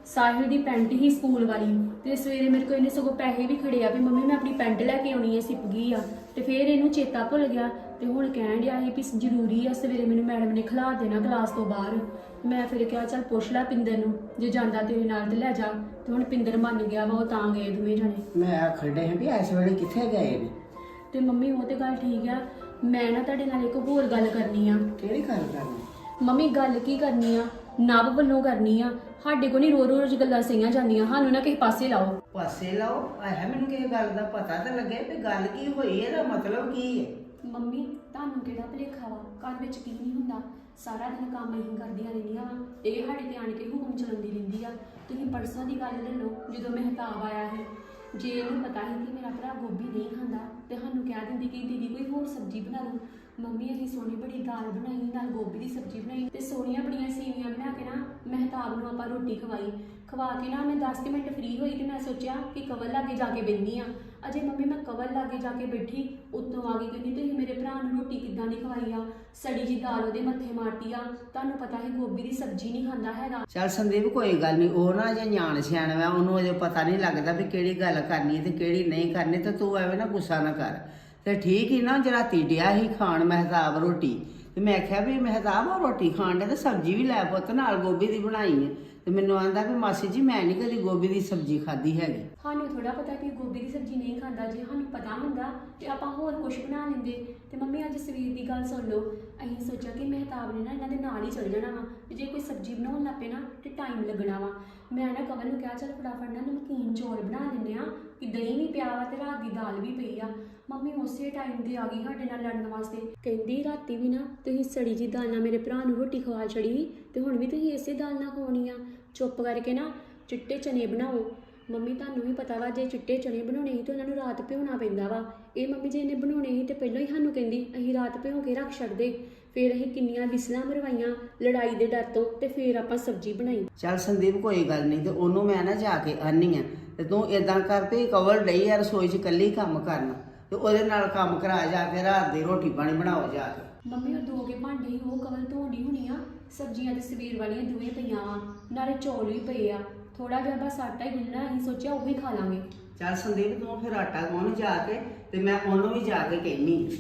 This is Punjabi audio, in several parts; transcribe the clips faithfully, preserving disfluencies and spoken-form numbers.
ਸਾਹਿਲ ਦੀ ਪੈਂਟ ਹੀ ਸਕੂਲ ਵਾਲੀ ਤੇ ਸਵੇਰੇ ਮੇਰੇ ਕੋਲ ਇਹਨੇ ਸਗੋਂ ਪੈਸੇ ਵੀ ਖੜੇ ਆ ਵੀ ਮੰਮੀ ਮੈਂ ਆਪਣੀ ਪੈਂਟ ਲੈ ਕੇ ਆਉਣੀ ਹੈ, ਸਿਪ ਗਈ ਆ। ਤੇ ਫਿਰ ਇਹਨੂੰ ਚੇਤਾ ਭੁੱਲ ਗਿਆ ਤੇ ਹੁਣ ਕਹਿਣ ਡਿਆ ਸੀ ਵੀ ਜ਼ਰੂਰੀ ਆ ਸਵੇਰੇ ਮੈਨੂੰ ਮੈਡਮ ਨੇ ਖਿਲਾ ਦੇਣਾ ਕਲਾਸ ਤੋਂ ਬਾਹਰ। ਮੈਂ ਫਿਰ ਕਿਹਾ ਚੱਲ ਪੁੱਛ ਲੈ ਪਿੰਦਰ ਨੂੰ, ਜੇ ਜਾਂਦਾ ਤੇਰੇ ਨਾਲ ਤੇ ਲੈ ਜਾ। ਤੇ ਹੁਣ ਪਿੰਦਰ ਮੰਨ ਗਿਆ ਵਾ, ਉਹ ਤਾਂ ਗਏ ਦੋਵੇਂ ਜਣੇ। ਮੈਂ ਆਖਣ ਡਿਆ ਵੀ ਇਸ ਵੇਲੇ ਕਿੱਥੇ ਗਏ ਨੇ? ਤੇ ਮੰਮੀ ਉਹ ਤੇ ਗੱਲ ਠੀਕ ਆ, ਮੈਂ ਨਾ ਤੁਹਾਡੇ ਨਾਲ ਇੱਕ ਹੋਰ ਗੱਲ ਕਰਨੀ ਆ। ਕਿਹੜੀ ਗੱਲ ਕਰਨੀ? ਮੰਮੀ ਗੱਲ ਕੀ ਕਰਨੀ ਆ, ਨਵ ਵੱਲੋਂ ਕਰਨੀ ਆ। ਸਾਡੇ ਕੋਲ ਨਹੀਂ ਰੋ ਰੋਜ਼ ਗੱਲਾਂ ਸਹੀਆਂ ਜਾਂਦੀਆਂ, ਸਾਨੂੰ ਨਾ ਕਿਸੇ ਪਾਸੇ ਲਾਓ। ਪਾਸੇ ਲਾਓ? ਆਇਆ ਮੈਨੂੰ ਕਿਸੇ ਗੱਲ ਦਾ ਪਤਾ ਤਾਂ ਲੱਗੇ ਵੀ ਗੱਲ ਕੀ ਹੋਈ, ਇਹਦਾ ਮਤਲਬ ਕੀ ਹੈ? ਮੰਮੀ ਤੁਹਾਨੂੰ ਕਿਹੜਾ ਭੁਲੇਖਾ ਵਾ, ਘਰ ਵਿੱਚ ਕੀ ਨਹੀਂ ਹੁੰਦਾ। ਸਾਰਾ ਦਿਨ ਕੰਮ ਅਸੀਂ ਕਰਦੀਆਂ ਰਹਿੰਦੀਆਂ ਵਾ, ਇਹ ਸਾਡੇ ਤੇ ਆਣ ਕੇ ਹੁਕਮ ਚਲਾਉਂਦੀ ਰਹਿੰਦੀ ਆ। ਤੁਸੀਂ ਪਰਸੋਂ ਦੀ ਗੱਲ ਲੈ ਲਓ, ਜਦੋਂ ਮਹਿਤਾਬ ਆਇਆ ਸੀ, ਜੇ ਇਹਨੂੰ ਪਤਾ ਸੀ ਕਿ ਮੇਰਾ ਭਰਾ ਗੋਭੀ ਨਹੀਂ ਖਾਂਦਾ ਤੇ ਸਾਨੂੰ ਕਹਿ ਦਿੰਦੀ ਕਿ ਦੀਦੀ ਕੋਈ ਹੋਰ ਸਬਜ਼ੀ ਬਣਾ ਲਓ। ਮੰਮੀ ਅਸੀਂ ਸੋਹਣੀ ਬੜੀ ਦਾਲ ਬਣਾਈ, ਨਾਲ ਗੋਭੀ ਦੀ ਸਬਜ਼ੀ ਬਣਾਈ ਤੇ ਸੋਹਣੀਆਂ ਬੜੀਆਂ ਸੇਵੀਆਂ ਬਣਾ ਕੇ ਨਾ ਮਹਿਤਾਬ ਨੂੰ ਆਪਾਂ ਰੋਟੀ ਖਵਾਈ। ਖਵਾ ਕੇ ਨਾ ਮੈਂ ਦਸ ਮਿੰਟ ਫ੍ਰੀ ਹੋਈ ਤੇ ਮੈਂ ਸੋਚਿਆ ਕਿ ਕਵਲ ਲਾਗੇ ਜਾ ਕੇ ਬੈਠੀ ਆ। ਅਜੇ ਮੰਮੀ ਮੈਂ ਕਵਲ ਲਾਗੇ ਜਾ ਕੇ ਬੈਠੀ, ਉੱਤੋਂ ਆ ਗਈ ਕਹਿੰਦੀ ਤੁਸੀਂ ਮੇਰੇ ਭਰਾ ਨੂੰ ਰੋਟੀ ਕਿੱਦਾਂ ਨਹੀਂ ਖਵਾਈ ਆ, ਸੜੀ ਜੀ ਦਾਲ ਉਹਦੇ ਮੱਥੇ ਮਾਰਤੀ ਆ। ਤੁਹਾਨੂੰ ਪਤਾ ਹੈ ਗੋਭੀ ਦੀ ਸਬਜ਼ੀ ਨਹੀਂ ਖਾਂਦਾ ਹੈਗਾ। ਚੱਲ ਸੰਦੀਪ ਕੋਈ ਗੱਲ ਨਹੀਂ, ਉਹ ਨਾ ਜੇ ਨਿਆਣ ਸਿਆਣ ਵਾ, ਉਹਨੂੰ ਅਜੇ ਪਤਾ ਨਹੀਂ ਲੱਗਦਾ ਵੀ ਕਿਹੜੀ ਗੱਲ ਕਰਨੀ ਤੇ ਕਿਹੜੀ ਨਹੀਂ ਕਰਨੀ। ਤੇ ਤੂੰ ਐਵੇਂ ਨਾ ਗੁੱਸਾ ਨਾ ਕਰ। ਤੇ ਠੀਕ ਹੀ ਨਾ, ਰਾਤੀ ਡਿਆ ਹੀ ਖਾਣ ਮਹਿਤਾਬ ਰੋਟੀ, ਤੇ ਮੈਂ ਆਖਿਆ ਵੀ ਮਹਿਤਾਬ ਉਹ ਰੋਟੀ ਖਾਣ ਦੇ ਤੇ ਸਬਜ਼ੀ ਵੀ ਲੈ ਪੁੱਤ, ਨਾਲ ਗੋਭੀ ਦੀ ਬਣਾਈ ਹੈ। ਤੇ ਮੈਨੂੰ ਆਂਦਾ ਵੀ ਮਾਸੀ ਜੀ ਮੈਂ ਨਹੀਂ ਕਦੀ ਗੋਭੀ ਦੀ ਸਬਜ਼ੀ ਖਾਧੀ ਹੈਗੀ। ਸਾਨੂੰ ਥੋੜਾ ਪਤਾ ਕਿ ਗੋਭੀ ਦੀ ਸਬਜ਼ੀ ਨਹੀਂ ਖਾਂਦਾ, ਜੇ ਸਾਨੂੰ ਪਤਾ ਹੁੰਦਾ ਤੇ ਆਪਾਂ ਹੋਰ ਕੁਝ ਬਣਾ ਲੈਂਦੇ। ਤੇ ਮੰਮੀ ਅੱਜ ਸਵੇਰ ਦੀ ਗੱਲ ਸੁਣ ਲਓ, ਅਸੀਂ ਸੋਚਿਆ ਕਿ ਮਹਿਤਾਬ ਨੇ ਨਾ ਇਹਨਾਂ ਦੇ ਨਾਲ ਹੀ ਚੱਲ ਜਾਣਾ ਵਾ, ਤੇ ਜੇ ਕੋਈ ਸਬਜ਼ੀ ਬਣਾਉਣ ਲੱਗ ਪਏ ਨਾ ਤੇ ਟਾਈਮ ਲੱਗਣਾ ਵਾ। ਮੈਂ ਨਾ ਕਵਲ ਨੂੰ ਕਿਹਾ ਚੱਲ ਫਟਾਫਟ ਨਾ ਨਮਕੀਨ ਚੌਲ ਬਣਾ ਲੈਂਦੇ ਆ, ਕਿ ਦਹੀਂ ਵੀ ਪਿਆ ਵਾ ਤੇ ਰਾਤ ਦੀ ਦਾਲ ਵੀ ਪਈ ਆ। ਮੰਮੀ ਉਸੇ ਟਾਈਮ ਤੇ ਆ ਗਈ ਸਾਡੇ ਨਾਲ ਲੜਨ ਵਾਸਤੇ, ਕਹਿੰਦੀ ਰਾਤੀ ਵੀ ਨਾ ਤੁਸੀਂ ਸੜੀ ਜੀ ਦਾਲ ਨਾਲ ਮੇਰੇ ਭਰਾ ਨੂੰ ਰੋਟੀ ਖਵਾ ਛੜੀ ਤੇ ਹੁਣ ਵੀ ਤੁਸੀਂ ਇਸੇ ਦਾਲ ਨਾਲ ਖਵਾਉਣੀ ਆ। ਚੁੱਪ ਕਰਕੇ ਨਾ ਚਿੱਟੇ ਚਨੇ ਬਣਾਓ। ਮੰਮੀ ਤੁਹਾਨੂੰ ਵੀ ਪਤਾ ਵਾ, ਜੇ ਚਿੱਟੇ ਚਨੇ ਬਣਾਉਣੇ ਸੀ ਤਾਂ ਉਹਨਾਂ ਨੂੰ ਰਾਤ ਭਿਉਣਾ ਪੈਂਦਾ ਵਾ। ਇਹ ਮੰਮੀ ਜੀ ਨੇ ਬਣਾਉਣੇ ਸੀ ਤੇ ਪਹਿਲਾਂ ਹੀ ਸਾਨੂੰ ਕਹਿੰਦੀ ਅਸੀਂ ਰਾਤ ਭਿਉਂ ਕੇ ਰੱਖ ਛੱਡਦੇ। ਫਿਰ ਅਸੀਂ ਕਿੰਨੀਆਂ ਵਿਸਲਾਂ ਮਰਵਾਈਆਂ ਲੜਾਈ ਦੇ ਡਰ ਤੋਂ, ਤੇ ਫਿਰ ਆਪਾਂ ਸਬਜ਼ੀ ਬਣਾਈ। ਚੱਲ ਸੰਦੀਪ ਕੋਈ ਗੱਲ ਨਹੀਂ, ਤੇ ਉਹਨੂੰ ਮੈਂ ਨਾ ਜਾ ਕੇ ਆਨੀ ਆ। ਤੇ ਤੂੰ ਇਦਾਂ ਕਰ ਵੀ ਕਵਰ ਡਈ ਆ ਰਸੋਈ 'ਚ ਇਕੱਲੀ ਕੰਮ ਕਰਨਾ, ਤੇ ਉਹਦੇ ਨਾਲ ਕੰਮ ਕਰਾ ਜਾ ਕੇ, ਰਾਤ ਦੀ ਰੋਟੀ ਪਾਣੀ ਬਣਾਓ ਜਾ ਕੇ। ਮੰਮੀ ਉਹ ਦੋ ਕੇ ਭਾਂਡੇ ਹੀ ਉਹ ਕਵਲ ਧੋਣੀ ਹੋਣੀ ਆ। ਸਬਜ਼ੀਆਂ ਤੇ ਸਵੇਰ ਵਾਲੀਆਂ ਦੋਵੇਂ ਪਈਆਂ ਵਾ, ਨਾਲੇ ਚੌਲ ਵੀ ਪਏ ਆ। ਥੋੜਾ ਜਿਹਾ ਬਸ ਆਟਾ ਹੀ ਗੁੰਨਣਾ, ਅਸੀਂ ਸੋਚਿਆ ਉਹੀ ਖਾ ਲਾਂਗੇ। ਚੱਲ ਸੰਦੀਪ ਤੂੰ ਫਿਰ ਆਟਾ ਗੁੰਨ ਜਾ ਕੇ, ਤੇ ਮੈਂ ਉਹਨੂੰ ਵੀ ਜਾ ਕੇ ਕਹਿਨੀ।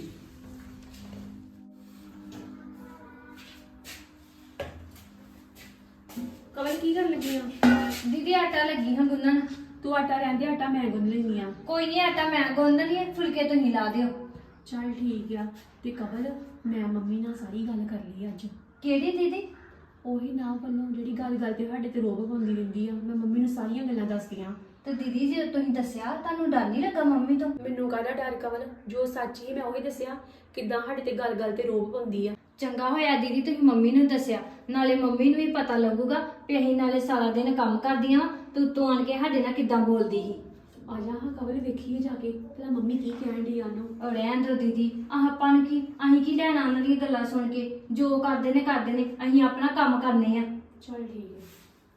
ਕਵਲ ਕੀ ਕਰਨ ਲੱਗੀ ਆ? ਦੀਦੀ ਆਟਾ ਲੱਗੀ ਹਾਂ ਗੁੰਨਣ। ਤੂੰ ਆਟਾ ਰਹਿੰਦੇ, ਆਟਾ ਮੈਂ ਗੁੰਨ ਲੈਂਦੀ ਆ। ਕੋਈ ਨਹੀਂ, ਆਟਾ ਮੈਂ ਗੁੰਨ ਦਣੀ, ਫੁਲਕੇ ਤੁਸੀਂ ਲਾ ਦਿਓ। ਚੱਲ ਠੀਕ ਆ। ਤੇ ਕਵਲ ਮੈਂ ਮੰਮੀ ਨਾਲ ਸਾਰੀ ਗੱਲ ਕਰ ਲਈ ਅੱਜ। ਕਿਹੜੀ ਦੀਦੀ? ਉਹੀ ਨਾ ਵੱਲੋਂ ਜਿਹੜੀ ਗੱਲ ਗੱਲ ਤੇ ਸਾਡੇ ਤੇ ਰੋਬ ਪਾਉਂਦੀ ਰਹਿੰਦੀ ਆ, ਮੈਂ ਮੰਮੀ ਨੂੰ ਸਾਰੀਆਂ ਗੱਲਾਂ ਦੱਸਦੀਆਂ। ਤੇ ਦੀਦੀ ਜੇ ਤੁਸੀਂ ਦੱਸਿਆ, ਤੁਹਾਨੂੰ ਡਰ ਨਹੀਂ ਲੱਗਾ ਮੰਮੀ ਤੋਂ? ਮੈਨੂੰ ਕਾਹਦਾ ਡਰ ਕਵਲ, ਜੋ ਸੱਚ ਹੀ ਮੈਂ ਉਹੀ ਦੱਸਿਆ। ਕਿੱਦਾਂ ਸਾਡੇ ਤੇ ਗੱਲ ਗੱਲ ਤੇ ਰੋਬ ਪਾਉਂਦੀ ਆ। ਚੰਗਾ ਹੋਇਆ ਦੀਦੀ ਤੁਸੀਂ ਮੰਮੀ ਨੂੰ ਦੱਸਿਆ, ਨਾਲੇ ਮੰਮੀ ਨੂੰ ਵੀ ਪਤਾ ਲੱਗੂਗਾ ਵੀ ਅਸੀਂ ਨਾਲੇ ਸਾਰਾ ਦਿਨ ਕੰਮ ਕਰਦੀਆਂ ਤੇ ਉੱਤੋਂ ਆਣ ਕੇ ਸਾਡੇ ਨਾਲ ਕਿੱਦਾਂ ਬੋਲਦੀ ਸੀ। ਆ ਜਾ ਹਾਂ ਕਵਲ, ਵੇਖੀਏ ਜਾ ਕੇ ਭਲਾ ਮੰਮੀ ਕੀ ਕਹਿਣ ਡਈ ਆ ਉਹਨੂੰ। ਔਰ ਰਹਿਣ ਦਿਓ ਦੀਦੀ, ਆਹ ਆਪਾਂ ਨੂੰ ਕੀ, ਅਸੀਂ ਕੀ ਲੈਣਾ ਉਹਨਾਂ ਦੀਆਂ ਗੱਲਾਂ ਸੁਣ ਕੇ। ਜੋ ਕਰਦੇ ਨੇ ਕਰਦੇ ਨੇ, ਅਸੀਂ ਆਪਣਾ ਕੰਮ ਕਰਨੇ ਆ। ਚੱਲ ਠੀਕ ਹੈ।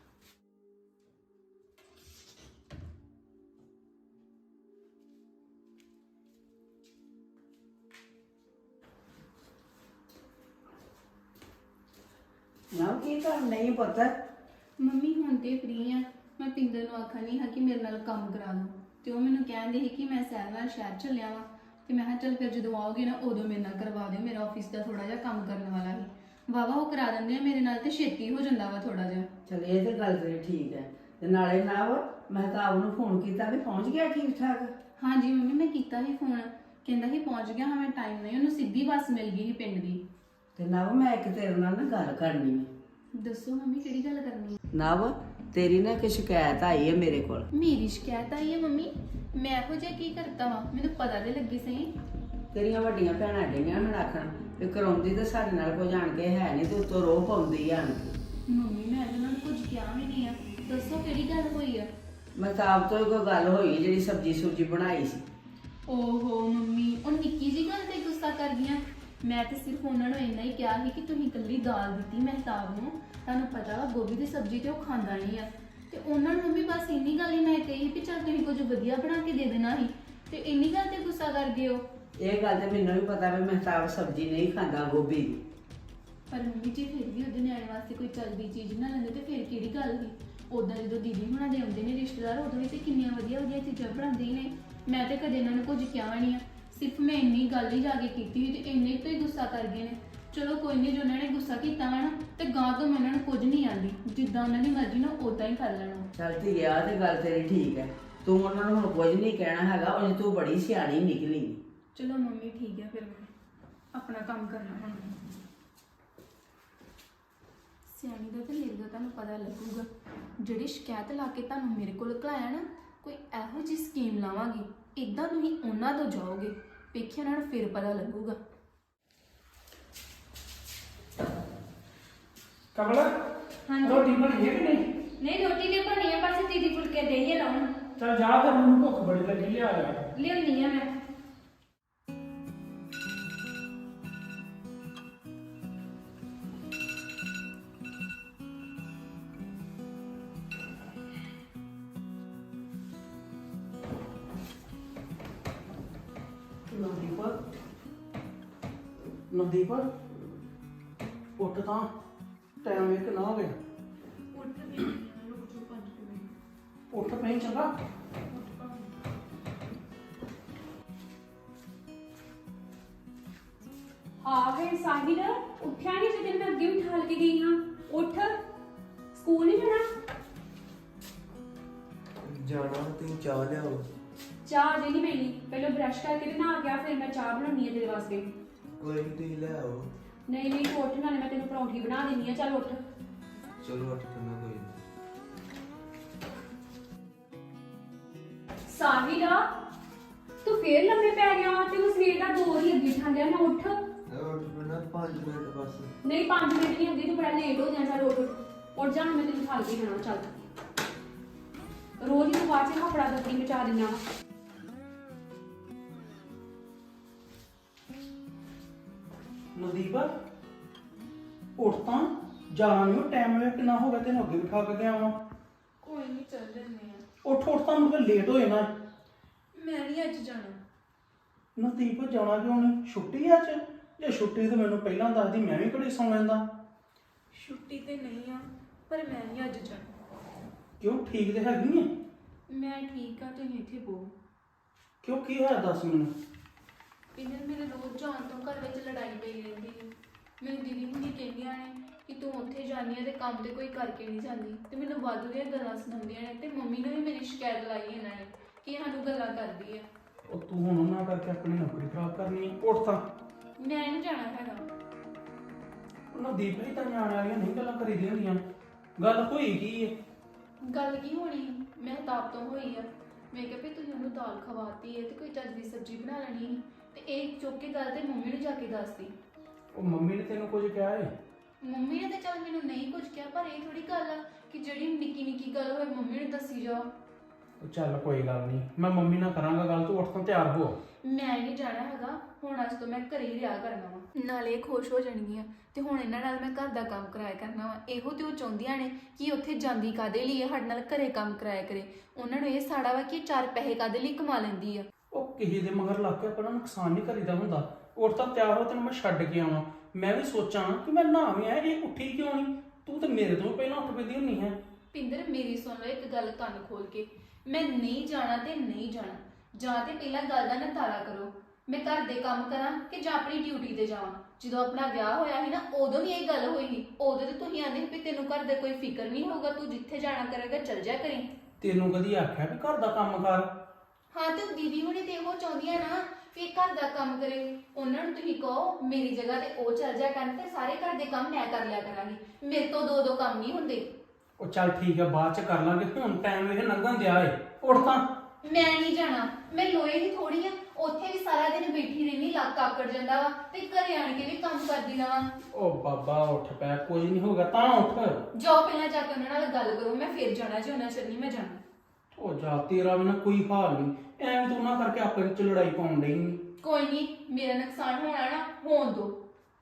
ਨਾ ਕੀ ਕਰ ਨਹੀਂ ਪਤਾ। ਮੰਮੀ ਹੁਣ ਤੇ ਫ੍ਰੀ ਆ। ਮੈਂ ਪਿੰਦਰ ਨੂੰ ਆਖਣ ਨਹੀਂ ਹਾਂ ਕਿ ਮੇਰੇ ਨਾਲ ਕੰਮ ਕਰਾ ਲਓ, ਤੇ ਉਹ ਮੈਨੂੰ ਕਹਿੰਦੇ ਸੀ ਕਿ ਮੈਂ ਸੈਰ ਨਾਲ ਸ਼ਹਿਰ ਚੱਲਿਆ ਵਾਂ। ਤੇ ਮੈਂ ਕਿਹਾ ਚੱਲ ਫਿਰ ਜਦੋਂ ਆਓਗੇ ਨਾ ਉਦੋਂ ਮੇਰੇ ਨਾਲ ਕਰਵਾ ਦਿਓ, ਮੇਰਾ ਆਫਿਸ ਦਾ ਥੋੜਾ ਜਿਹਾ ਕੰਮ ਕਰਨ ਵਾਲਾ ਹੈ। ਵਾਵਾ ਉਹ ਕਰਾ ਦਿੰਦੇ ਆ ਮੇਰੇ ਨਾਲ, ਤੇ ਛੇਤੀ ਹੋ ਜਾਂਦਾ ਵਾ ਥੋੜਾ ਜਿਹਾ। ਚਲ ਇਹ ਤੇ ਗੱਲ ਤੇਰੀ ਠੀਕ ਹੈ। ਤੇ ਨਾਲੇ ਨਾ ਮਹਿਤਾਬ ਨੂੰ ਫੋਨ ਕੀਤਾ ਵੀ ਪਹੁੰਚ ਗਿਆ ਠੀਕ ਠਾਕ? ਹਾਂਜੀ ਮੰਮੀ ਮੈਂ ਕੀਤਾ ਸੀ ਫੋਨ, ਕਹਿੰਦਾ ਸੀ ਪਹੁੰਚ ਗਿਆ ਹਾਂ, ਮੈਂ ਟਾਈਮ ਨਹੀਂ। ਉਹਨੂੰ ਸਿੱਧੀ ਬੱਸ ਮਿਲ ਗਈ ਸੀ ਪਿੰਡ ਦੀ। ਤੇ ਨਵ ਮੈਂ ਇੱਕ ਤੇਰੇ ਨਾਲ ਨਾ ਗੱਲ ਕਰਨੀ ਹੈ। ਦੱਸੋ ਮੰਮੀ ਕਿਹੜੀ ਗੱਲ ਕਰਨੀ ਹੈ? ਨਵ ਤੇਰੀ ਨਾ ਇੱਕ ਸ਼ਿਕਾਇਤ ਆਈ ਹੈ ਮੇਰੇ ਕੋਲ। ਮੇਰੀ ਸ਼ਿਕਾਇਤ ਆਈ ਹੈ ਮੰਮੀ? ਮੈਂ ਇਹੋ ਜਿਹਾ ਕੀ ਕਰਤਾ ਵਾ, ਮੈਨੂੰ ਪਤਾ ਤੇ ਲੱਗੀ ਸਹੀ। ਤੇਰੀਆਂ ਵੱਡੀਆਂ ਭੈਣਾਂ ਡਈਆਂ ਹੁਣ ਆਖਣ ਵੀ ਕਰਾਉਂਦੀ ਤੇ ਸਾਡੇ ਨਾਲ ਕੋਈ ਜਾਣ ਕੇ ਹੈ ਨਹੀਂ, ਤੇ ਉੱਤੋਂ ਰੋਹ ਪਾਉਂਦੀ ਆ। ਮੰਮੀ ਮੈਂ ਤਾਂ ਉਹਨਾਂ ਨੂੰ ਕੁਝ ਕਿਹਾ ਵੀ ਨਹੀਂ ਆ। ਦੱਸੋ ਕਿਹੜੀ ਗੱਲ ਹੋਈ ਆ? ਮਹਿਤਾਬ ਤੋਂ ਹੀ ਕੋਈ ਗੱਲ ਹੋਈ ਜਿਹੜੀ ਸਬਜ਼ੀ ਸੁਬਜ਼ੀ ਬਣਾਈ ਸੀ। ਓਹੋ ਮੰਮੀ, ਉਹ ਨਿੱਕੀ ਜੀ ਗੱਲ ਤੇ ਗੁੱਸਾ ਕਰ ਗਈਆਂ। ਮੈਂ ਤੇ ਸਿਰਫ ਉਹਨਾਂ ਨੂੰ ਇੰਨਾ ਹੀ ਕਿਹਾ ਸੀ ਕਿ ਤੁਸੀਂ ਇਕੱਲੀ ਦਾਲ ਦਿੱਤੀ ਮਹਿਤਾਬ ਨੂੰ, ਤੁਹਾਨੂੰ ਪਤਾ ਵਾ ਗੋਭੀ ਦੀ ਸਬਜ਼ੀ ਤੇ ਉਹ ਖਾਂਦਾ ਨਹੀਂ ਆ। ਤੇ ਉਹਨਾਂ ਨੂੰ ਮੰਮੀ ਬਸ ਇੰਨੀ ਗੱਲ ਹੀ ਮੈਂ ਕਹੀ ਵੀ ਚੱਲ ਤੁਸੀਂ ਕੁਝ ਵਧੀਆ ਬਣਾ ਕੇ ਦੇ ਦੇਣਾ ਸੀ, ਤੇ ਇੰਨੀ ਗੱਲ ਤੇ ਗੁੱਸਾ ਕਰ ਗਏ ਹੋ। ਇਹ ਗੱਲ ਤੇ ਮੈਨੂੰ ਵੀ ਪਤਾ ਵੀ ਮਹਿਤਾਬ ਸਬਜ਼ੀ ਨਹੀਂ ਖਾਂਦਾ ਗੋਭੀ ਦੀ। ਪਰ ਮੰਮੀ ਜੀ ਫਿਰ ਵੀ ਉਹਦੇ ਨਿਆਣੇ ਵਾਸਤੇ ਕੋਈ ਚਲਦੀ ਚੀਜ਼ ਬਣਾ ਲੈਂਦੇ ਤੇ ਫਿਰ ਕਿਹੜੀ ਗੱਲ ਸੀ। ਉਦਾਂ ਜਦੋਂ ਦੀਦੀ ਹੁਣਾਂ ਦੇ ਆਉਂਦੇ ਨੇ ਰਿਸ਼ਤੇਦਾਰ ਉਦੋਂ ਵੀ ਤੇ ਕਿੰਨੀਆਂ ਵਧੀਆ ਵਧੀਆ ਚੀਜ਼ਾਂ ਬਣਾਉਂਦੇ ਹੀ ਨੇ। ਮੈਂ ਤੇ ਕਦੇ ਇਹਨਾਂ ਨੂੰ ਕੁਝ ਕਿਹਾ ਨਹੀਂ ਆ, ਸਿਰਫ ਮੈਂ ਇੰਨੀ ਗੱਲ ਹੀ ਜਾ ਕੇ ਕੀਤੀ ਸੀ ਤੇ ਇੰਨੇ ਤੋਂ ਹੀ ਗੁੱਸਾ ਕਰ ਗਏ ਨੇ। ਚਲੋ ਕੋਈ ਨਹੀਂ, ਜੋ ਉਹਨਾਂ ਨੇ ਗੁੱਸਾ ਕੀਤਾ ਵਾ ਨਾ ਤੇ ਗਾਂ ਤੋਂ ਮੈਂ ਇਹਨਾਂ ਨੂੰ ਕੁਝ ਨਹੀਂ ਆਂਦੀ, ਜਿੱਦਾਂ ਉਹਨਾਂ ਦੀ ਮਰਜ਼ੀ ਨਾ ਉਦਾਂ ਹੀ ਕਰ ਲੈਣਾ। ਚੱਲ ਧੀਏ ਆ ਤੇ ਗੱਲ ਤੇਰੀ ਠੀਕ ਹੈ, ਤੂੰ ਉਹਨਾਂ ਨੂੰ ਹੁਣ ਕੁਝ ਨਹੀਂ ਕਹਿਣਾ ਹੈਗਾ, ਉਹ ਤੂੰ ਬੜੀ ਸਿਆਣੀ ਨਿਕਲੀ। ਚਲੋ ਮੰਮੀ ਠੀਕ ਹੈ, ਫਿਰ ਮੈਂ ਆਪਣਾ ਕੰਮ ਕਰਨਾ ਹੁਣ। ਸਿਆਣੀ ਦਾ ਤੇ ਮੇਰੇ ਦਾ ਤੁਹਾਨੂੰ ਪਤਾ ਲੱਗੂਗਾ। ਜਿਹੜੀ ਸ਼ਿਕਾਇਤ ਲਾ ਕੇ ਤੁਹਾਨੂੰ ਮੇਰੇ ਕੋਲ ਘਲਾਇਆ ਨਾ, ਕੋਈ ਇਹੋ ਜਿਹੀ ਸਕੀਮ ਲਾਵਾਂਗੀ, ਇਦਾਂ ਤੁਸੀਂ ਉਹਨਾਂ ਤੋਂ ਜਾਓਗੇ, ਵੇਖਿਆ ਉਹਨਾਂ ਨੂੰ ਫਿਰ ਪਤਾ ਲੱਗੂਗਾ। ਕਮਲ ਹਾਂਜੀ। ਰੋਟੀ ਬਣੀ ਹੈ ਕਿ ਨਹੀਂ? ਨਹੀਂ ਰੋਟੀ ਤੇ ਬਣੀ ਆ, ਬਸ ਦੀਦੀ ਫੁਲਕੇ ਦੇ ਹੀ ਲਾਉਣ। ਚਲ ਜਾ ਫਿਰ, ਮੈਨੂੰ ਭੁੱਖ ਬੜੀ ਲੱਗੀ, ਲਿਆ ਯਾਰ। ਲਿਆਉਣੀ ਆ ਮੈਂ। ਨਵਦੀਪ ਨਵਦੀਪ ਉੱਠ ਤਾਂ, ਟਾਈਮ ਵੇਖ ਨਾ ਹੋ ਗਿਆ। ਉੱਠ ਪਈ ਚੰਗਾ। ਆ ਗਏ ਸਾਹਿਲ, ਉੱਠਿਆ ਨਹੀਂ ਜਦੋਂ ਮੈਂ ਅੱਗੇ ਉਠਾਲ ਕੇ ਗਈ ਹਾਂ। ਉੱਠ, ਸਕੂਲ ਨਹੀਂ ਜਾਣਾ? ਜਾਣਾ, ਤੁਸੀਂ ਚਾਹ ਲਿਆਓ। ਚਾਹ ਅਜੇ ਨਹੀਂ ਪੀਣੀ, ਪਹਿਲਾਂ ਬ੍ਰਸ਼ ਕਰਕੇ ਤੇ ਨਹਾ ਗਿਆ, ਫਿਰ ਮੈਂ ਚਾਹ ਬਣਾਉਣੀ ਹੈ ਤੇਰੇ ਵਾਸਤੇ। ਕੋਈ ਨਹੀਂ, ਤੁਸੀਂ ਲਿਆਓ। ਨਹੀਂ ਨਹੀਂ ਤੂੰ ਉੱਠ, ਨਾਲੇ ਮੈਂ ਤੈਨੂੰ ਪਰੌਂਠੀ ਬਣਾ ਦਿੰਦੀ ਆ। ਚੱਲ ਉੱਠ। ਚਲੋ ਉੱਠ ਕੇ ਮੈਂ ਕੋਈ ਨਹੀਂ। ਸਾਹਿਲ, ਤੂੰ ਫੇਰ ਲੰਮੇ ਪੈ ਗਿਆ ਵਾ, ਤੈਨੂੰ ਸਵੇਰ ਦਾ ਦੋ ਹੀ ਅੱਗੇ ਠਾਂਦਿਆ। ਮੈਂ ਉੱਠ। ਉੱਠ ਪੈਣਾ ਪੰਜ ਮਿੰਟ ਬਸ। ਨਹੀਂ ਪੰਜ ਮਿੰਟ ਨਹੀਂ ਅੱਗੇ, ਤੂੰ ਬੜਾ ਲੇਟ ਹੋ ਜਾਣਾ। ਚੱਲ ਉੱਠ ਉੱਠ ਜਾ, ਮੈਂ ਤੈਨੂੰ ਠਾਲ ਕੇ ਜਾਣਾ। ਚੱਲ ਰੋਜ਼ ਹੀ ਤੂੰ ਬਾਅਦ ਚ ਹਫੜਾ ਦਫੜੀ ਮਚਾ ਦਿੰਦਾ ਵਾ। ਨਵਦੀਪ ਉੱਠ ਤਾਂ, ਜਾਣਾ ਨਹੀਂ, ਟਾਈਮ ਵੇਖ ਕਿੰਨਾ ਹੋ ਗਿਆ, ਤੈਨੂੰ ਅੱਗੇ ਬਿਠਾ ਕੇ ਗਿਆ ਵਾਂ। ਕੋਈ ਨਹੀਂ, ਚੱਲ ਜੰਨੇ ਆ। ਉੱਠ ਉੱਠ ਤਾਂ, ਮੁੜ ਕੇ ਲੇਟ ਹੋ ਜਾਣਾ। ਮੈਂ ਨਹੀਂ ਅੱਜ ਜਾਣਾ। ਨਵਦੀਪ ਜਾਣਾ ਕਿਉਂ ਨਹੀਂ? ਛੁੱਟੀ ਅੱਜ? ਜੇ ਛੁੱਟੀ ਤਾਂ ਮੈਨੂੰ ਪਹਿਲਾਂ ਦੱਸਦੀ, ਮੈਂ ਵੀ ਘੜੀ ਸੌਂ ਲੈਂਦਾ। ਛੁੱਟੀ ਤੇ ਨਹੀਂ ਆ, ਪਰ ਮੈਂ ਨਹੀਂ ਅੱਜ ਜਾਣਾ। ਕਿਉਂ, ਠੀਕ ਤੇ ਹੈਗੀ ਹੈ? ਮੈਂ ਠੀਕ ਆ, ਤੁਸੀਂ ਇੱਥੇ ਬੋ। ਕਿਉਂ, ਕੀ ਹੋਇਆ ਦੱਸ ਮੈਨੂੰ। ਇਹਨਾਂ ਮੇਰੇ ਰੋਜ਼ ਜਾਣ ਤੋਂ ਘਰ ਵਿੱਚ ਲੜਾਈ ਪਈ ਰਹਿੰਦੀ ਹੈ। ਮੈਨੂੰ ਦੀਦੀ ਹੁਣੀ ਕਹਿੰਦੀਆਂ ਨੇ ਕਿ ਤੂੰ ਉੱਥੇ ਜਾਂਦੀ ਹੈ ਤੇ ਕੰਮ ਤੇ ਕੋਈ ਕਰਕੇ ਨਹੀਂ ਜਾਂਦੀ, ਤੇ ਮੈਨੂੰ ਵਾਧੂ ਦੀਆਂ ਗੱਲਾਂ ਸੁਣਾਉਂਦੀਆਂ ਨੇ, ਤੇ ਮੰਮੀ ਨੇ ਵੀ ਮੇਰੀ ਸ਼ਿਕਾਇਤ ਲਾਈ ਇਹਨਾਂ ਨੇ ਕਿ ਸਾਨੂੰ ਗੱਲਾਂ ਕਰਦੀ ਹੈ। ਉਹ ਤੂੰ ਹੁਣ ਉਹਨਾਂ ਕਰਕੇ ਆਪਣੀ ਨੌਕਰੀ ਖਰਾਬ ਕਰਨੀ ਹੈ। ਉੱਠ ਤਾਂ। ਮੈਂ ਨਹੀਂ ਜਾਣਾ ਹੈਗਾ। ਨਵਦੀਪ ਹੀ ਤਾਂ ਨਿਆਣੇ ਵਾਲੀਆਂ ਨਹੀਂ ਗੱਲਾਂ ਕਰੀਦੀਆਂ ਹੁੰਦੀਆਂ। ਗੱਲ ਹੋਈ ਕੀ ਹੈ? ਗੱਲ ਕੀ ਹੋਣੀ, ਮਹਿਤਾਬ ਤੋਂ ਹੋਈ ਆ। ਮੈਂ ਕਿਹਾ ਵੀ ਤੁਸੀਂ ਉਹਨੂੰ ਦਾਲ ਖਵਾਤੀ ਹੈ ਤੇ ਕੋਈ ਚੱਜ ਦੀ ਸਬਜ਼ੀ ਬਣਾ ਲੈਣੀ ਸੀ, ਤੇ ਇਹ ਚੁੱਕ ਕੇ ਗੱਲ ਤੇ ਮੰਮੀ ਨੂੰ ਜਾ ਕੇ ਦੱਸਦੀ। ਉਹ ਮੰਮੀ ਨੇ ਤੈਨੂੰ ਕੁਝ ਕਿਹਾ ਏ? ਮੰਮੀ ਨੇ ਤਾਂ ਚੱਲ ਮੈਨੂੰ ਨਹੀਂ ਕੁਝ ਕਿਹਾ, ਪਰ ਇਹ ਥੋੜੀ ਗੱਲ ਆ ਕਿ ਜਿਹੜੀ ਨਿੱਕੀ ਨਿੱਕੀ ਗੱਲ ਹੋਵੇ ਮੰਮੀ ਨੂੰ ਦੱਸੀ ਜਾਓ। ਉਹ ਚੱਲ ਕੋਈ ਗੱਲ ਨਹੀਂ, ਮੈਂ ਮੰਮੀ ਨਾਲ ਕਰਾਂਗਾ ਗੱਲ, ਤੂੰ ਉੱਠ ਤਾਂ ਤਿਆਰ ਹੋ। ਮੈਂ ਨਹੀਂ ਜਾਣਾ ਹੈਗਾ, ਹੁਣ ਅੱਜ ਤੋਂ ਮੈਂ ਘਰੇ ਹੀ ਰਿਹਾ ਕਰਨਾ ਵਾ, ਨਾਲੇ ਇਹ ਖੁਸ਼ ਹੋ ਜਾਣਗੀਆਂ ਤੇ ਹੁਣ ਇਹਨਾਂ ਨਾਲ ਮੈਂ ਘਰ ਦਾ ਕੰਮ ਕਰਾਇਆ ਕਰਨਾ ਵਾ। ਇਹੋ ਤੇ ਉਹ ਚਾਹੁੰਦੀਆਂ ਨੇ ਕਿ ਉੱਥੇ ਜਾਂਦੀ ਕਾਦੇ ਲਈ, ਸਾਡੇ ਨਾਲ ਘਰੇ ਕੰਮ ਕਰਾਇਆ ਕਰੇ। ਉਹਨਾਂ ਨੂੰ ਇਹ ਸਾੜਾ ਵਾ ਕਿ ਚਾਰ ਪੈਸੇ ਕਾਦੇ ਲਈ ਕਮਾ ਲੈਂਦੀ ਆ। ਉਹ ਕਿਸੇ ਦੇ ਮਗਰ ਲੱਗ ਕੇ ਆਪਣਾ ਨੁਕਸਾਨ ਨਹੀਂ ਕਰੀਦਾ ਹੁੰਦਾ। ਉੱਠ ਤਾਂ ਤਿਆਰ ਹੋ, ਤੈਨੂੰ ਮੈਂ ਛੱਡ ਕੇ ਆਵਾਂ। ਮੈਂ ਵੀ ਸੋਚਾਂ ਕਿ ਮੈਂ ਨਹਾ ਵੀ ਆਇਆ, ਇਹ ਉੱਠੀ ਕਿਉਂ ਨਹੀਂ? ਤੂੰ ਤਾਂ ਮੇਰੇ ਤੋਂ ਪਹਿਲਾਂ ਉੱਠ ਪੈਂਦੀ ਹੁੰਨੀ ਹੈ। ਪਿੰਦਰ ਮੇਰੀ ਸੁਣ ਲਓ ਇੱਕ ਗੱਲ ਕੰਨ ਖੋਲ ਕੇ, ਮੈਂ ਨਹੀਂ ਜਾਣਾ ਤੇ ਨਹੀਂ ਜਾਣਾ। ਜਾਂ ਤੇ ਪਹਿਲਾਂ ਗੱਲ ਦਾ ਨਿਤਾਰਾ ਕਰੋ, ਮੈਂ ਘਰ ਦੇ ਕੰਮ ਕਰਾਂ ਕਿ ਜਾਂ ਆਪਣੀ ਡਿਊਟੀ ਤੇ ਜਾਵਾਂ। ਜਦੋਂ ਆਪਣਾ ਵਿਆਹ ਹੋਇਆ ਸੀ ਨਾ, ਉਦੋਂ ਵੀ ਇਹ ਗੱਲ ਹੋਈ ਸੀ। ਉਦੋਂ ਤੇ ਤੁਸੀਂ ਆਂਦੇ ਵੀ ਤੈਨੂੰ ਘਰ ਦੇ ਕੋਈ ਫਿਕਰ ਨਹੀਂ ਹੋਊਗਾ, ਤੂੰ ਜਿੱਥੇ ਜਾਣਾ ਕਰੇਗਾ ਚੱਲ ਜਾ ਕਰੀ। ਤੈਨੂੰ ਕਦੀ ਆਖਿਆ ਵੀ ਘਰ ਦਾ ਕੰਮ ਕਰ? ਹਾਂ ਤੇ ਦੀਦੀ ਹੁਣੀ ਤੇ ਇਹੋ ਚਾਹੁੰਦੀਆਂ ਨਾ ਵੀ ਇਹ ਘਰ ਦਾ ਕੰਮ ਕਰੇ। ਉਹਨਾਂ ਨੂੰ ਤੁਸੀਂ ਕਹੋ ਮੇਰੀ ਜਗ੍ਹਾ ਤੇ ਉਹ ਚੱਲ ਜਾ ਕਰਨ ਤੇ ਸਾਰੇ ਘਰ ਦੇ ਕੰਮ ਮੈਂ ਕਰ ਲਿਆ ਕਰਾਂਗੀ। ਮੇਰੇ ਤੋਂ ਦੋ ਦੋ ਕੰਮ ਨਹੀਂ ਹੁੰਦੇ। ਉਹ ਚੱਲ ਠੀਕ ਹੈ, ਬਾਅਦ ਚ ਕਰ ਲਾਂਗੇ, ਹੁਣ ਟਾਈਮ ਇਹ ਲੰਘਣ ਦਿਆ ਏ। ਉੱਠ ਤਾਂ। ਮੈਂ ਨਹੀਂ ਜਾਣਾ, ਮੈਂ ਲੋਹੇ ਦੀ ਥੋੜੀ ਆ, ਉੱਥੇ ਵੀ ਸਾਰਾ ਦਿਨ ਬੈਠੀ ਰਹਿਣੀ, ਲੱਕ ਆਕੜ ਜਾਂਦਾ ਵਾ, ਤੇ ਘਰੇ ਆਣ ਕੇ ਵੀ ਕੰਮ ਕਰਦੀ ਰਵਾਂ। ਉਹ ਬਾਬਾ ਉੱਠ ਪੈ, ਕੁਝ ਨਹੀਂ ਹੋਗਾ, ਤਾਂ ਉੱਠ। ਜਾਓ ਪਹਿਲਾਂ ਜਾ ਕੇ ਉਹਨਾਂ ਨਾਲ ਗੱਲ ਕਰੋ, ਮੈਂ ਫਿਰ ਜਾਣਾ ਜੇ ਉਹਨਾਂ ਚਿਰ ਨਹੀਂ ਮੈਂ ਜਾਣਾ। ਉਹ ਜਾ, ਤੇਰਾ ਵੀ ਨਾ ਕੋਈ ਹਾਲ ਨਹੀਂ, ਐਵੇਂ ਤੂੰ ਨਾ ਕਰਕੇ ਆਪਣੇ ਚ ਲੜਾਈ ਪਾਉਣ ਡਈ ਨੀ। ਕੋਈ ਨਹੀਂ, ਮੇਰਾ ਨੁਕਸਾਨ ਹੋਣਾ ਨਾ ਹੋਣ ਦੋ।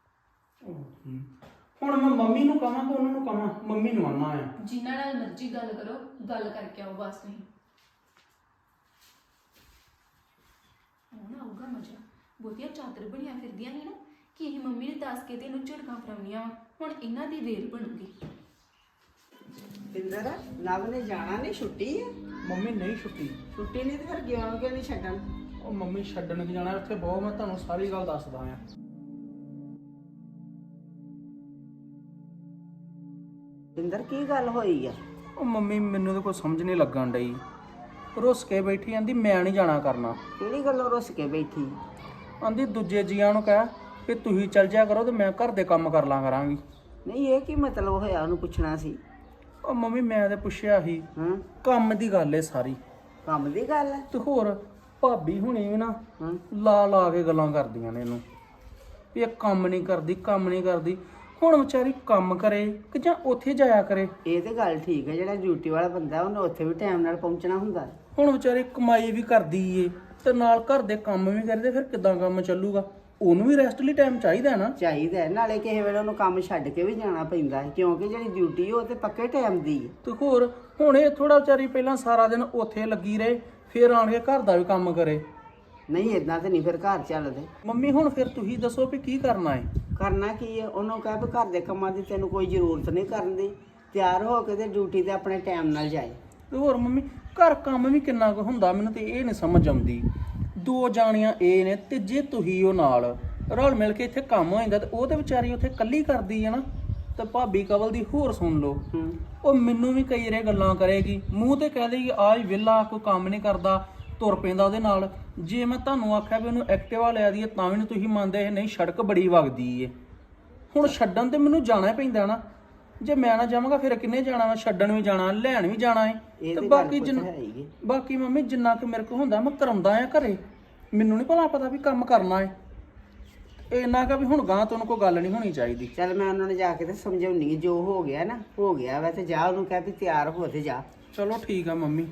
ਹੁਣ ਮੈਂ ਮੰਮੀ ਨੂੰ ਕਹਾਂ ਕਿ ਉਹਨਾਂ ਨੂੰ ਕਹਾਂ? ਮੰਮੀ ਨੂੰ ਆਣਾ ਆ। ਜਿਨ੍ਹਾਂ ਨਾਲ ਮਰਜ਼ੀ ਗੱਲ ਕਰੋ, ਗੱਲ ਕਰਕੇ ਆਓ ਬਸ। ਤੁਸੀਂ ਹੁਣ ਆਊਗਾ ਮਜ਼ਾ। ਬਹੁਤੀਆਂ ਚਾਦਰ ਬਣੀਆਂ ਫਿਰਦੀਆਂ ਨੇ ਨਾ ਕਿ ਇਹ ਮੰਮੀ ਨੇ ਦੱਸ ਕੇ ਤੇ ਇਹਨੂੰ ਝੜਕਾਂ ਫਰਾਉਣੀਆਂ ਵਾ। ਹੁਣ ਇਹਨਾਂ ਦੀ ਵੇਲ ਬਣੂਗੀ। ਪਿੰਦਰ ਨਵ ਨੇ ਜਾਣਾ ਨਹੀਂ, ਛੁੱਟੀ ਹੈ। ਮੰਮੀ ਨਹੀਂ ਛੁੱਟੀ। ਛੁੱਟੀ ਨਹੀਂ ਤੇ ਫਿਰ ਗਿਆ ਕਿਉਂ ਨਹੀਂ ਛੱਡਣ? ਉਹ ਮੰਮੀ ਛੱਡਣ ਕੀ ਜਾਣਾ ਉੱਥੇ ਬਹੁਤ, ਮੈਂ ਤੁਹਾਨੂੰ ਸਾਰੀ ਗੱਲ ਦੱਸਦਾ ਆ। ਪਿੰਦਰ ਕੀ ਗੱਲ ਹੋਈ ਆ? ਉਹ ਮੰਮੀ ਮੈਨੂੰ ਤਾਂ ਕੋਈ ਸਮਝ ਨਹੀਂ ਲੱਗਣ ਡਈ, ਰੁੱਸ ਕੇ ਬੈਠੀ ਆਂਦੀ ਮੈਂ ਨਹੀਂ ਜਾਣਾ ਕਰਨਾ। ਕਿਹੜੀ ਗੱਲੋਂ ਰੁੱਸ ਕੇ ਬੈਠੀ? ਆਂਦੀ ਦੂਜੇ ਜੀਆਂ ਨੂੰ ਕਹਿ ਕਿ ਤੁਸੀਂ ਚੱਲ ਜਾ ਕਰੋ ਤੇ ਮੈਂ ਘਰ ਦੇ ਕੰਮ ਕਰ ਲਾਂ ਕਰਾਂਗੀ। ਨਹੀਂ ਇਹ ਕੀ ਮਤਲਬ ਹੋਇਆ, ਉਹਨੂੰ ਪੁੱਛਣਾ ਸੀ। ਉਹ ਮੰਮੀ ਮੈਂ ਤੇ ਪੁੱਛਿਆ ਸੀ, ਹਾਂ ਕੰਮ ਦੀ ਗੱਲ ਏ ਸਾਰੀ। ਕੰਮ ਦੀ ਗੱਲ ਹੈ? ਤੇ ਹੋਰ ਭਾਬੀ ਹੁਣੀ ਵੀ ਨਾ ਹਾਂ ਲਾ ਲਾ ਕੇ ਗੱਲਾਂ ਕਰਦੀਆਂ ਨੇ ਇਹਨੂੰ ਵੀ ਇਹ ਕੰਮ ਨਹੀਂ ਕਰਦੀ, ਕੰਮ ਨਹੀਂ ਕਰਦੀ। ਹੁਣ ਵਿਚਾਰੀ ਕੰਮ ਕਰੇ ਕਿ ਜਾਂ ਉੱਥੇ ਜਾਇਆ ਕਰੇ? ਇਹ ਤੇ ਗੱਲ ਠੀਕ ਹੈ, ਜਿਹੜਾ ਡਿਊਟੀ ਵਾਲਾ ਬੰਦਾ ਉਹਨੇ ਉੱਥੇ ਵੀ ਟਾਈਮ ਨਾਲ ਪਹੁੰਚਣਾ ਹੁੰਦਾ। ਹੁਣ ਵਿਚਾਰੀ ਕਮਾਈ ਵੀ ਕਰਦੀ ਏ ਤੇ ਨਾਲ ਘਰ ਦੇ ਕੰਮ ਵੀ ਕਰਦੇ, ਫਿਰ ਕਿੱਦਾਂ ਕੰਮ ਚੱਲੂਗਾ? ਉਹਨੂੰ ਵੀ ਰੈਸਟ ਲਈ ਟਾਈਮ ਚਾਹੀਦਾ ਨਾ। ਚਾਹੀਦਾ ਹੈ, ਨਾਲੇ ਕਿਸੇ ਵੇਲੇ ਉਹਨੂੰ ਕੰਮ ਛੱਡ ਕੇ ਵੀ ਜਾਣਾ ਪੈਂਦਾ ਹੈ, ਕਿਉਂਕਿ ਜਿਹੜੀ ਡਿਊਟੀ ਉਹ ਤੇ ਪੱਕੇ ਟਾਈਮ ਦੀ ਹੈ। ਤੇ ਹੋਰ ਹੁਣ ਇਹ ਥੋੜਾ ਵਿਚਾਰੀ ਪਹਿਲਾਂ ਸਾਰਾ ਦਿਨ ਉੱਥੇ ਲੱਗੀ ਰਹੇ, ਫਿਰ ਆਣ ਕੇ ਘਰ ਦਾ ਵੀ ਕੰਮ ਕਰੇ। ਨਹੀਂ ਇਦਾਂ ਤੇ ਨਹੀਂ ਫਿਰ ਘਰ ਚੱਲਦੇ। ਮੰਮੀ ਹੁਣ ਫਿਰ ਤੁਸੀਂ ਦੱਸੋ ਵੀ ਕੀ ਕਰਨਾ ਹੈ? ਕਰਨਾ ਕੀ ਹੈ? ਉਹਨੂੰ ਕਹਿ ਵੀ ਘਰ ਦੇ ਕੰਮਾਂ ਦੀ ਤੈਨੂੰ ਕੋਈ ਜ਼ਰੂਰਤ ਨਹੀਂ ਕਰਨ ਦੀ, ਤਿਆਰ ਹੋ ਕੇ ਤੇ ਡਿਊਟੀ ਤੇ ਆਪਣੇ ਟਾਈਮ ਨਾਲ ਜਾਏ। ਤੇ ਹੋਰ ਮੰਮੀ ਘਰ ਕੰਮ ਵੀ ਕਿੰਨਾ ਕੁ ਹੁੰਦਾ, ਮੈਨੂੰ ਤੇ ਇਹ ਨਹੀਂ ਸਮਝ ਆਉਂਦੀ। ਦੋ ਜਾਣੀਆਂ ਇਹ ਨੇ ਤੇ ਜੇ ਤੁਸੀਂ ਉਹ ਨਾਲ ਰਲ ਮਿਲ ਕੇ ਇੱਥੇ ਕੰਮ ਹੋ ਜਾਂਦਾ ਤੇ ਉਹ ਤੇ ਵਿਚਾਰੀ ਉੱਥੇ ਇਕੱਲੀ ਕਰਦੀ ਹੈ ਨਾ। ਤੇ ਭਾਬੀ ਕਵਲ ਦੀ ਹੋਰ ਸੁਣ ਲਓ, ਹੂੰ ਉਹ ਮੈਨੂੰ ਵੀ ਕਈ ਰੇ ਗੱਲਾਂ ਕਰੇਗੀ, ਮੂੰਹ ਤੇ ਕਹਿ ਦੇਗੀ ਆਹ ਹੀ ਵਿਹਲਾ, ਕੋਈ ਕੰਮ ਨਹੀਂ ਕਰਦਾ, ਤੁਰ ਪੈਂਦਾ ਉਹਦੇ ਨਾਲ। ਜੇ ਮੈਂ ਤੁਹਾਨੂੰ ਆਖਿਆ ਵੀ ਉਹਨੂੰ ਐਕਟਿਵਾ ਲਿਆ ਦੀ ਹੈ ਤਾਂ ਵੀ ਨਹੀਂ ਤੁਸੀਂ ਮੰਨਦੇ, ਨਹੀਂ ਸੜਕ ਬੜੀ ਵਗਦੀ ਏ। ਹੁਣ ਛੱਡਣ ਤੇ ਮੈਨੂੰ ਜਾਣਾ ਹੀ ਪੈਂਦਾ ਨਾ, ਜੇ ਮੈਂ ਨਾ ਜਾਵਾਂਗਾ ਫਿਰ ਕਿੰਨੇ ਜਾਣਾ? ਵਾ ਛੱਡਣ ਵੀ ਜਾਣਾ, ਲੈਣ ਵੀ ਜਾਣਾ ਹੈ। ਇਹ ਤੇ ਤੇ ਬਾਕੀ ਗੱਲ ਜਿੰਨ ਹੈ ਹੀ ਹੈ। ਬਾਕੀ ਮੰਮੀ ਜਿੰਨਾ ਕੁ ਮੇਰੇ ਕੋਲ ਹੁੰਦਾ ਮੈਂ ਕਰਾਉਂਦਾ ਆ ਘਰੇ, ਮੈਨੂੰ ਨਹੀਂ ਭਲਾ ਪਤਾ ਵੀ ਕੰਮ ਕਰਨਾ ਹੈ। ਇੰਨਾ ਕਾ ਵੀ ਹੁਣ ਗਾਂ ਤੋਂ ਕੋਈ ਗੱਲ ਨਹੀਂ ਹੋਣੀ ਚਾਹੀਦੀ। ਚੱਲ ਮੈਂ ਉਹਨਾਂ ਨੂੰ ਜਾ ਕੇ ਤੇ ਸਮਝਾਉਣੀ ਹੈ, ਜੋ ਹੋ ਗਿਆ ਨਾ ਹੋ ਗਿਆ ਵਾ, ਤੇ ਜਾ ਉਹਨੂੰ ਕਹਿ ਵੀ ਤਿਆਰ ਹੋ ਤੇ ਜਾ। ਚਲੋ ਠੀਕ ਆ ਮੰਮੀ।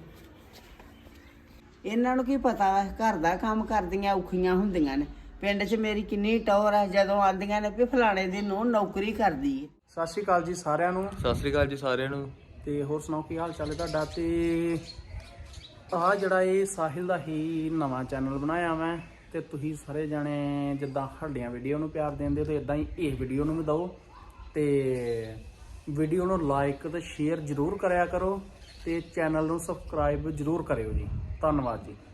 ਇਹਨਾਂ ਨੂੰ ਕੀ ਪਤਾ ਵਾ ਘਰ ਦਾ ਕੰਮ ਕਰਦੀਆਂ ਔਖੀਆਂ ਹੁੰਦੀਆਂ ਨੇ। ਪਿੰਡ 'ਚ ਮੇਰੀ ਕਿੰਨੀ ਟੌਰ ਆ, ਜਦੋਂ ਆਂਦੀਆਂ ਨੇ ਵੀ ਫਲਾਣੇ ਦੀ ਨੂੰਹ ਨੌਕਰੀ ਕਰਦੀ ਹੈ। ਸਤਿ ਸ਼੍ਰੀ ਅਕਾਲ ਜੀ ਸਾਰਿਆਂ ਨੂੰ। ਸਤਿ ਸ੍ਰੀ ਅਕਾਲ ਜੀ ਸਾਰਿਆਂ ਨੂੰ। ਤੇ ਹੋਰ ਸੁਣਾਓ ਕੀ ਹਾਲ ਚਾਲ ਹੈ ਤੁਹਾਡਾ? ਤੇ ਆਹ ਜਿਹੜਾ ਇਹ ਸਾਹਿਲ ਦਾ ਹੀ ਨਵਾਂ ਚੈਨਲ ਬਣਾਇਆ ਮੈਂ, ਤੇ ਤੁਸੀਂ ਸਾਰੇ ਜਾਣੇ ਜਿੱਦਾਂ ਸਾਡੀਆਂ ਵੀਡੀਓ ਨੂੰ ਪਿਆਰ ਦਿੰਦੇ ਹੋ ਤੇ ਇਦਾਂ ਹੀ ਇਸ ਵੀਡੀਓ ਨੂੰ ਵੀ ਦਿਓ, ਤੇ ਵੀਡੀਓ ਨੂੰ ਲਾਈਕ ਤੇ ਸ਼ੇਅਰ ਜ਼ਰੂਰ ਕਰਿਆ ਕਰੋ, ਤੇ ਚੈਨਲ ਨੂੰ ਸਬਸਕ੍ਰਾਈਬ ਜ਼ਰੂਰ ਕਰਿਓ ਜੀ। ਧੰਨਵਾਦ ਜੀ।